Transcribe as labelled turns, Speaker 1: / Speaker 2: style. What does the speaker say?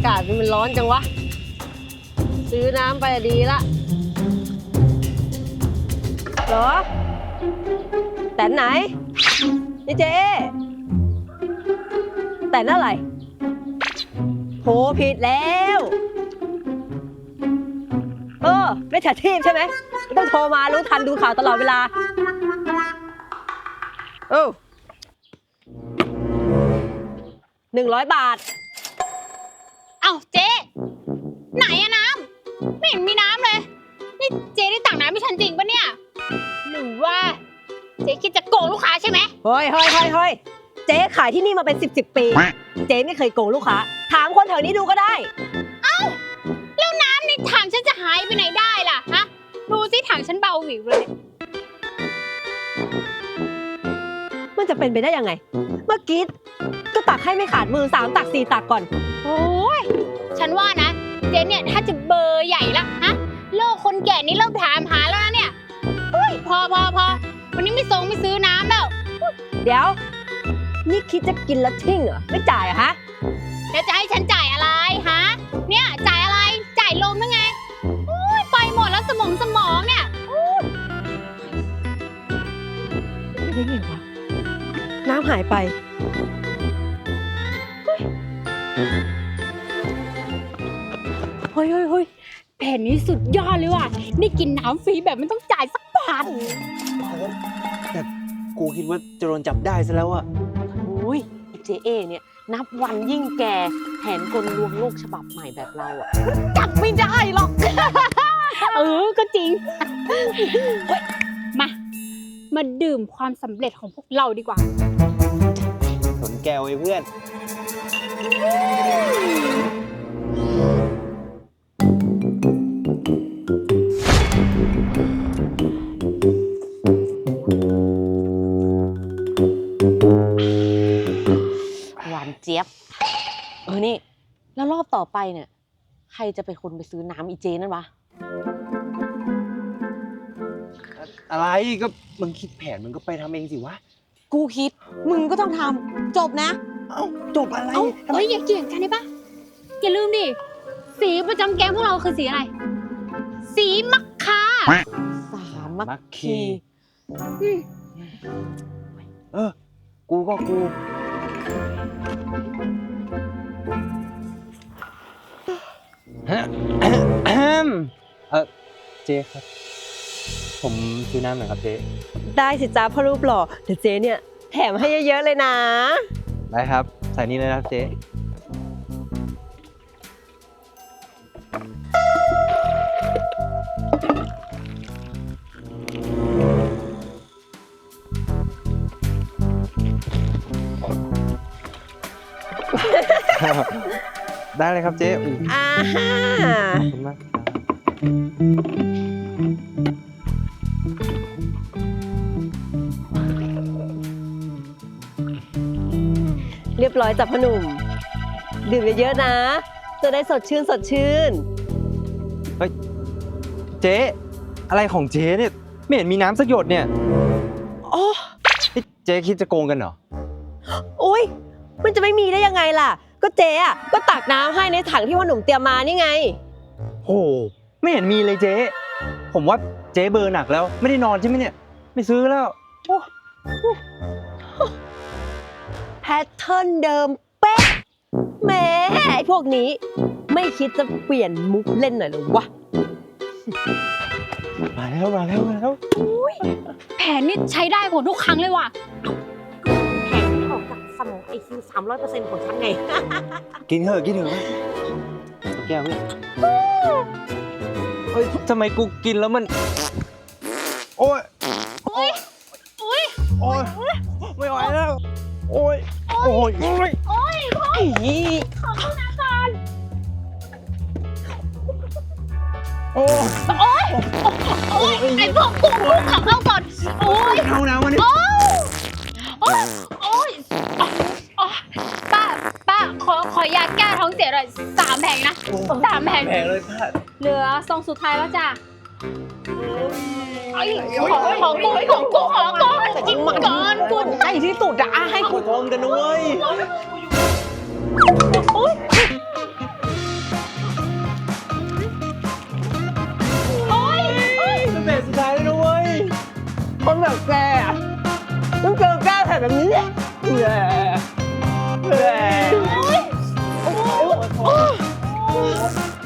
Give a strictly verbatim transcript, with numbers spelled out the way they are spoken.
Speaker 1: ากาศมันร้อนจังวะซื้อน้ำไปดีละเหรอแต่ไหนนี่เจ๊แต่นั่นอะไรโหผิดแล้วเออไม่ฉาชีพใช่ไหมต้องโทรมารู้ทันดูข่าวตลอดเวลาเออหนึ่งร้อยบาท
Speaker 2: เอ้าเจ๊ไหนอะน้ำไม่เห็นมีน้ำเลยนี่เจ๊ได้ตักน้ำให้ฉันจริงปะเนี่ยหรือว่าเจ๊คิดจะโกงลูกค้าใช่ไหม
Speaker 1: เฮ้ยเฮ้ยเฮ้ยเฮ้ยเจ๊ขายที่นี่มาเป็นสิบสิบปีเจ๊ไม่เคยโกงลูกค้าถามคนแถวนี้ดูก็ได้
Speaker 2: เอ้าแล้วน้ำในถังฉันจะหายไปไหนได้ล่ะฮะดูสิถังฉันเบาหวิวเลย
Speaker 1: มันจะเป็นไปได้ยังไงเมื่อกี้ก็ตักให้ไม่ขาดมือสามตักสี่ตักก่อน
Speaker 2: โอ้ยฉันว่านะเจ๊เนี่ยถ้าจะเบอร์ใหญ่ละฮะโลกคนแก่นี่เริ่มถามหาแล้วนะเนี่ยเฮ้ยพอพอพอวันนี้ไม่ส่งไม่ซื้อน้ำแล้ว
Speaker 1: เดี๋ยวนี่คิดจะกินแล้วทิ้งเหรอไม่จ่ายเหรอฮะ
Speaker 2: แล้วจะให้ฉันจ่ายอะไรฮะเนี่ยจ่ายอะไรจ่ายลมยังไงโอ้ยไปหมดแล้วสมองสมองเนี่ย
Speaker 1: ไม่ได้ไงวะน้ำหายไปเฮ้ยเฮ้ยเฮ้ย
Speaker 2: แผนนี้สุดยอดเลยว่ะนี่กินน้ำฟรีแบบไม่ต้องจ่ายสักบาท
Speaker 3: แต่กูคิดว่าจะโดนจับได้ซะแล้วอะ
Speaker 1: โอ้ยเจเอเนี่ยนับวันยิ่งแก่แผนกลลวงโลกฉบับใหม่แบบเราอะจับไม่ได้หรอก
Speaker 2: เออก็จริงมามาดื่มความสำเร็จของพวกเราดีกว่า
Speaker 3: สนแก้วไอ้เพื่อน
Speaker 1: หวานเจี๊ยบเออนี่แล้วรอบต่อไปเนี่ยใครจะเป็นคนไปซื้อน้ำอีเจนั่นวะ
Speaker 3: อะไรก็มึงคิดแผนมึงก็ไปทำเองสิวะ
Speaker 1: กูคิดมึงก็ต้องทำจบนะ
Speaker 3: เอ้าจบอะไร
Speaker 2: เอ้ยอย่าเกี่ยงกันได้ปะอย่าลืมดิสีประจำแก๊งพวกเราคือสีอะไรสีมัคคา
Speaker 1: สามมัคคี
Speaker 3: เออกูก็กูฮะเออเจ๊ครับผมซื้อน้ำหน่อยครับเจ๊
Speaker 1: ได้สิจ้าพ่อรูปหล่อเดี๋ยวเจ๊เนี่ยแถมให้เยอะๆเลยนะ
Speaker 3: ได้ครับใส่นี่เลยนะครับเจ๊ได้เลยครับเจ๊
Speaker 1: อ่าฮะ
Speaker 3: ขอบคุณมาก
Speaker 1: เรียบร้อยจับพ่อหนุ่มดื่มเยอะๆนะจะได้สดชื่นสดชื่น
Speaker 3: เฮ้ยเจ๊อะไรของเจ๊เนี่ยไม่เห็นมีน้ำสักหยดเนี่ย
Speaker 1: โอ้
Speaker 3: เจ๊คิดจะโกงกันเหรอ
Speaker 1: อุ้ยมันจะไม่มีได้ยังไงล่ะก็เจ๊อะก็ตักน้ำให้ในถังที่พ่อหนุ่มเตรียมมานี่ไง
Speaker 3: โอ้ไม่เห็นมีเลยเจ๊ผมว่าเจ๊เบอร์หนักแล้วไม่ได้นอนใช่ไหมเนี่ยไม่ซื้อแล้ว
Speaker 1: แพทเทิร์นเดิมเป๊ะแหมไอ้พวกนี้ไม่คิดจะเปลี่ยนมุกเล่นหน่อยหรอวะ
Speaker 3: มาแล้วมาแล้วมาแล้ว
Speaker 2: แผนนี่ใช้ได้ผลทุกครั้งเลยว่ะ
Speaker 1: แผนที่ออกจากสมองไอคิวสามร้อยเปอร์เซ็นต์ของฉันไง
Speaker 3: กินเถอะกินเถอะแก้วเนี่ยเฮ้ยทำไมกูกินแล้วมันโอ๊ย
Speaker 2: โอ๊ยโอ๊ย
Speaker 3: โอ๊ยไม่ไหวแล้วโอ๊ยโอ๊ยโอ๊ย
Speaker 2: โอ๊ยโอ๊ยขอโทษนะก่อน
Speaker 3: โอ๊ย
Speaker 2: โอ๊ยโอ๊ยไอ้พวกกุ้งกุ้งขอเข้าก่อนโอ๊ย
Speaker 3: เข้าน้ำมันนี่
Speaker 2: โอ๊ยโอ๊ยป้าป้าขอขอยาแก้ท้องเสียหน่อยสามแผงนะสามแผง
Speaker 3: แผงเลยป้า
Speaker 2: เหลือซองสุดท้ายแล้วจ้ะของของกูของกูของกูกินก่อนกู
Speaker 1: ให้ที่สุดอะให้
Speaker 3: กูทองกันนะเว้ย
Speaker 1: แบบนี้แหละแหละแหละ
Speaker 2: โอ๊ย